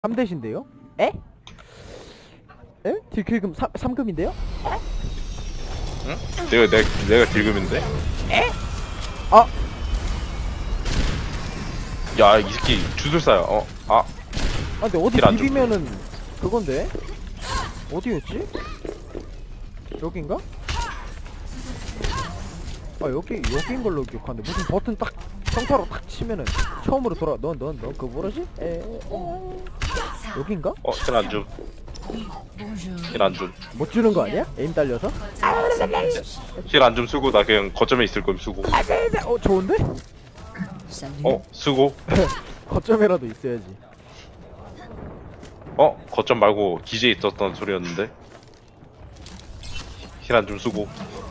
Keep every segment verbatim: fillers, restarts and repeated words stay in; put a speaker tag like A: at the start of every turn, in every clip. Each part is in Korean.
A: 삼 대신데요? 에? 에? 딜킬금 삼 금인데요?
B: 응? 내가 내가 내가 딜금인데?
A: 에? 아!
B: 야, 이 새끼 주술사야. 어, 아,
A: 아 근데 어디
B: 딜안
A: 비비면은 그건데? 어디였지? 여긴가? 아 여기 여기인 걸로 기억하는데 무슨 버튼 딱 평타로 딱 치면은 처음으로 돌아. 넌 넌 넌 그 뭐라지? 에 여긴가?
B: 어, 힐안 줌. 힐안 줌.
A: 못 주는 거 아니야? 에임 딸려서?
B: 힐안 줌 쓰고 나 그냥 거점에 있을 거임 쓰고.
A: 어 좋은데?
B: 어, 쓰고.
A: 거점이라도 있어야지.
B: 어, 거점 말고 기지에 있었던 소리였는데. 힐안 줌 쓰고.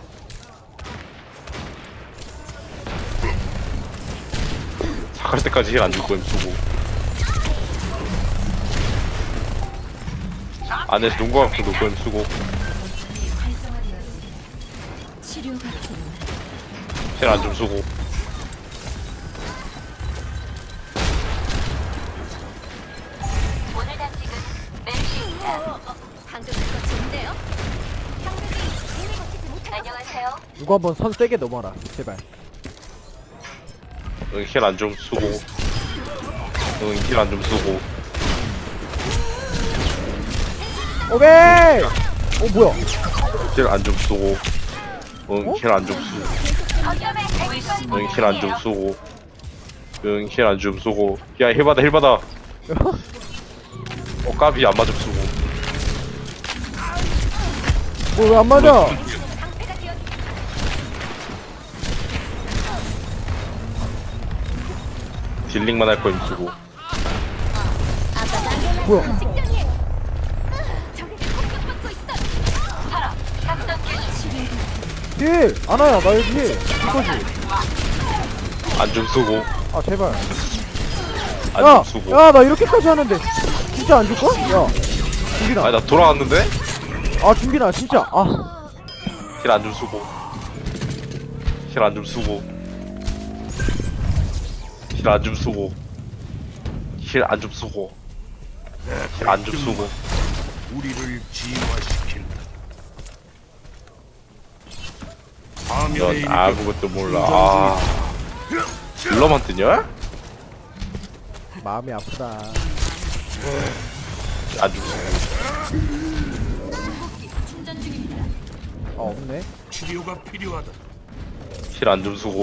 B: 사갈 때까지 힐 안 줄 거임 쓰고. 안에서 눈과 갖고 놓을 거임 쓰고. 힐안 줌 쓰고.
C: 오늘 단식은 메르시입니다. 방금 그거 좋은데요? 상대이 힘을 버티지 못해. 안녕하세요.
A: 누구 한번 선 세게 넘어라 제발.
B: 응, 힐안 줌 쓰고. 응, 힐안 줌 쓰고.
A: 오케이! 어 뭐야?
B: 힐안 줌 쓰고. 응,
A: 어?
B: 힐안 좀 쓰고.
C: 거점에
B: 응, 힐안 좀 쓰고. 응, 힐안 좀 쓰고. 야, 힐 받아, 힐 받아. 어, 까비 안 맞음 쓰고.
A: 뭐 왜 안 맞아?
B: 딜링만 할 거임 쓰고.
A: 뭐야?
C: 직전이에요. 저기 공격받고 있어. 살아. 작전 개시.
A: 딜! 아나야 나 여기 힐 이거지?
B: 안 좀 쓰고.
A: 아 제발.
B: 안
A: 야!
B: 좀 쓰고.
A: 야 나 이렇게까지 하는데 진짜 안 줄까? 야 준비나.
B: 아니, 나 돌아왔는데?
A: 아 준비나 진짜. 아
B: 힐 안 좀 쓰고. 힐 안 좀 쓰고. 힐 안 좀 쓰고. 힐 안 좀 쓰고. 힐 안 좀 쓰고.
D: 우리를 진화시킨다.
B: 넌
D: 파멸의
B: 아무것도 몰라. 아. 딜러만 뜨냐?
A: 마음이 아프다.
B: 안 좀 쓰고.
C: 충전 중입니다.
A: 아 없네.
D: 치료가 필요하다.
B: 힐 안 좀 쓰고.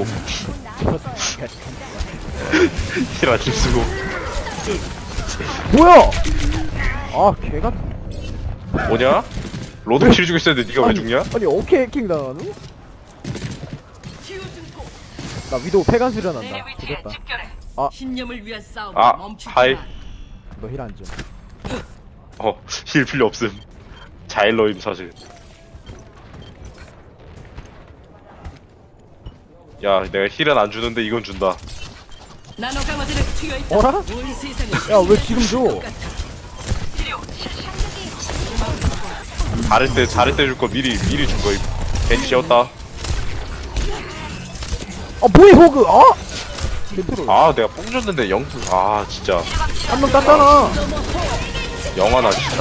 B: 힐 안 좀 쓰고.
A: 뭐야? 아 개가.
B: 뭐냐? 로드 킬 주고 있었는데 니가 왜 죽냐?
A: 아니 어케 해킹 당하노? 나 위도우 폐간 수련한다. 되겠다.
E: 신념을 위한 싸움
B: 아,
E: 멈추지
B: 하이.
E: 마.
A: 너 힐 안 줘.
B: 어, 힐 필요 없음. 자일러임 사실. 야, 내가 힐은 안 주는데 이건 준다.
E: 나노 강화제를 투여했다.
A: 어라?
E: 온 세상을
A: 야 왜 지금 줘?
B: 잘할 때 잘할 때 줄 거 미리 미리 준 거임. 괜히 씌웠다.
A: 아 뭐해 호그? 아? 멘트로
B: 아, 내가 뽕 줬는데 영수. 아, 진짜
A: 한 명 땄잖아.
B: 영화나 진짜.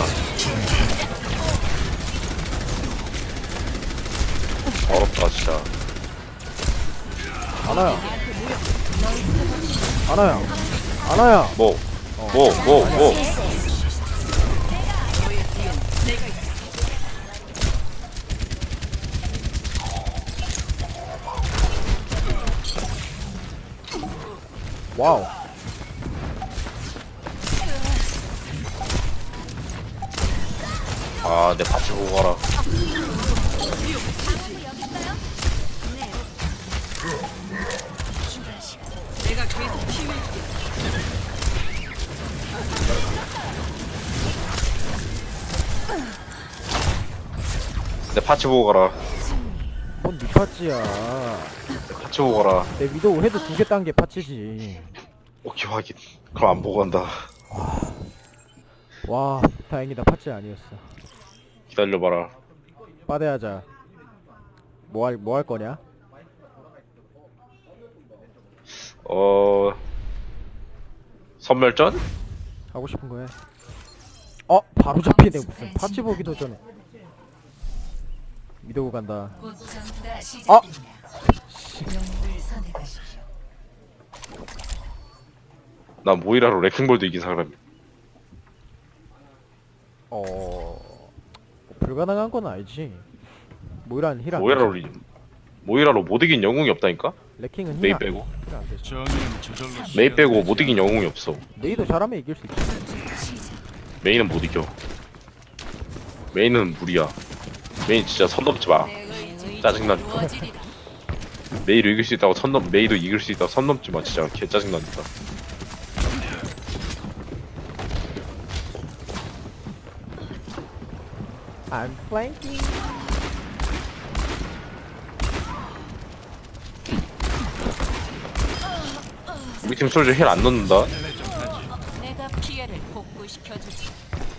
B: 어렵다 진짜.
A: 아나야. 아나야. 아나야.
B: 뭐, 뭐, 뭐, 뭐.
A: 와우.
B: 아, 내 파츠 보고 가라.
E: 내가 계속 치유해줄게.
B: 내 파츠 보고 가라.
A: 뭔 니파찌야.
B: 내 파츠 보고 가라.
A: 내 위도우 헤드 두 개 딴 게 파츠지.
B: 오케이, 확인. 그럼 안 보고 간다.
A: 와 다행이다 파츠 아니었어.
B: 기다려봐라.
A: 빠대하자. 뭐 할 뭐 할 거냐?
B: 어, 선멸전?
A: 하고 싶은 거 해. 어 바로 잡히네. 무슨 파츠 보기도 전에 미도고 간다.
C: 곧 전투가
A: 어?
C: 시작됩니다. 영웅을 선택하십시오.
B: 나 모이라로 레킹볼도 이긴 사람이.
A: 어 불가능한 건 알지. 모이라는 힐안
B: 모이라로 이- 모이라로 못 이긴 영웅이 없다니까.
A: 레킹은
B: 메이
A: 힐안
B: 빼고
A: 힐안 되지.
D: 정의는 저절로
B: 메이 빼고 못 이긴 영웅이 없어.
A: 메이도 잘하면 이길 수 있지.
B: 메이는 못 이겨. 메이는 무리야. 메이 진짜 선 넘지 마.
E: 내 의지
B: 짜증나니까.
E: 이루어지리라.
B: 메이를 이길 수 있다고 선 넘, 메이도 이길 수 있다고 선 넘지 마. 진짜 개 짜증나니까.
A: I'm flanking.
B: 우리 팀 솔저 힐 안 넣는다.
C: 내가 피해를 복구시켜주지.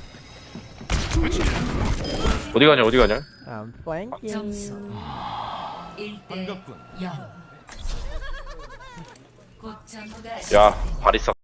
B: 어디 가냐 어디 가냐.
A: I'm flanking.
C: 점수 일 대 영. 곧 전투가
B: 야 바리사